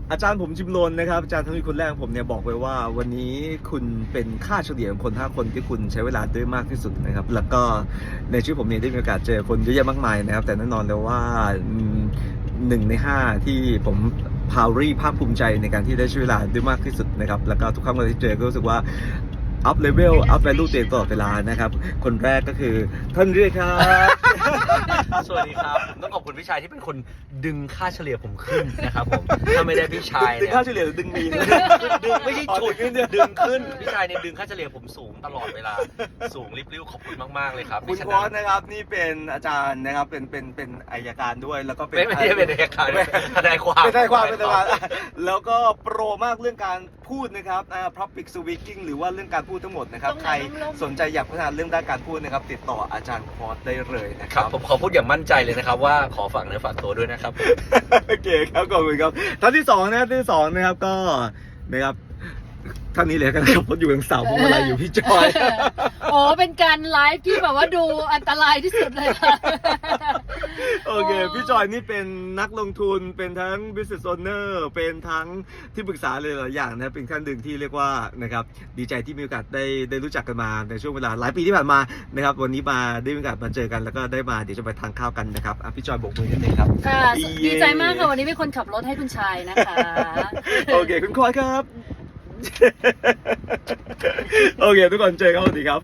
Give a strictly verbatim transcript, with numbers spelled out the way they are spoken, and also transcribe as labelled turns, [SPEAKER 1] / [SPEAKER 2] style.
[SPEAKER 1] อาจารย์ผมจิมโลนนะครับอาจารย์ทั้งนี้คนแรกผมเนี่ยบอกไว้ว่าวันนี้คุณเป็นค่าเฉลี่ยของคนห้าคนที่คุณใช้เวลาด้วยมากที่สุดนะครับแล้วก็ในชีวิตผมเนี่ยได้มีโอกาสเจอคนเยอะแยะมากมายนะครับแต่แน่นอนเลยว่าหนึ่งในห้าที่ผมพาวรี่ภาคภูมิใจในการที่ได้ใช้เวลาด้วยมากที่สุดนะครับแล้วก็ทุกครั้งเวลาที่เจอก็รู้สึกว่าอัพเลเวลอัพแวลูตัวเองตลอดเวลานะครับคนแรกก็คือท่านเรียกครับ
[SPEAKER 2] สวัสดีครับผมต้องขอบคุณพี่ชายที่เป็นคนดึงค่าเฉลี่ยผมขึ้นนะครับผมถ้าไม่ได้พี่ชาย
[SPEAKER 1] ดึ
[SPEAKER 2] เนี่
[SPEAKER 1] ง
[SPEAKER 2] ย
[SPEAKER 1] ค่าเฉลี่ยหรือดึงมีน
[SPEAKER 2] ดึงไม่ใช่ฉุด
[SPEAKER 1] อ๋อดึงขึ้น
[SPEAKER 2] ดึงขึ้นพี่ชายเนี่ยดึงค่าเฉลี่ยผมสูงตลอดเวลาสูงริบริ้วขอบคุณมากๆเลยครับ
[SPEAKER 1] คุณ
[SPEAKER 2] พี่ช
[SPEAKER 1] ควอสนะครับนี่เป็นอาจารย์นะครับเป็นเป็นเป็นอัยการด้วยแล้วก็เป็น
[SPEAKER 2] ไม่ไม่ได้เป็นเอกการทนายความ
[SPEAKER 1] เป็นทนายความเป็นทนายความแล้วก็โปรมากเรื่องการพูดนะครับอ่า public speaking หรือว่าเรื่องการพูดทั้งหมดนะครับใครสนใจอยากพัฒนาเรื่องด้านการพูดนะครับติดต่ออาจารย์ควอสได้เลยนะค
[SPEAKER 2] ค
[SPEAKER 1] รั
[SPEAKER 2] รับบ ผมขอพูดอย่างมั่นใจเลยนะครับว่าขอฝากเนื้อฝากตัวด้วยนะครับ
[SPEAKER 1] โอเคครับขอบคุณครับท่านที่สองนะครับท่านที่สองนะครับก็นะครับท่านนี้เลยกันนะครับผมอยู่กับสาวพวงมาลัยอยู่พี่จอย
[SPEAKER 3] โอ้เป็นการไลฟ์ที่แบบว่าดูอันตรายที่สุดเลยค่ะ
[SPEAKER 1] โอเค พี่จอยนี่เป็นนักลงทุนเป็นทั้ง business owner เป็นทั้งที่ปรึกษาเลยหลายอย่างนะเป็นท่านหนึ่งที่เรียกว่านะครับดีใจที่มีโอกาสได้ได้รู้จักกันมาในช่วงเวลาหลายปีที่ผ่านมานะครับวันนี้มาได้มีโอกาสมาเจอกันแล้วก็ได้มาเดี๋ยวจะไปทานข้าวกันนะครับอ่ะพี่จอยโบกมือกันเลยครับ
[SPEAKER 3] ค่ะ
[SPEAKER 1] เย้
[SPEAKER 3] ดีใจมากค่ะวันนี้เป็นคนขับรถให้คุณชายนะคะ
[SPEAKER 1] โอเคคุณคอยครับ โอเคทุกคนเจอกันสวัสดีครับ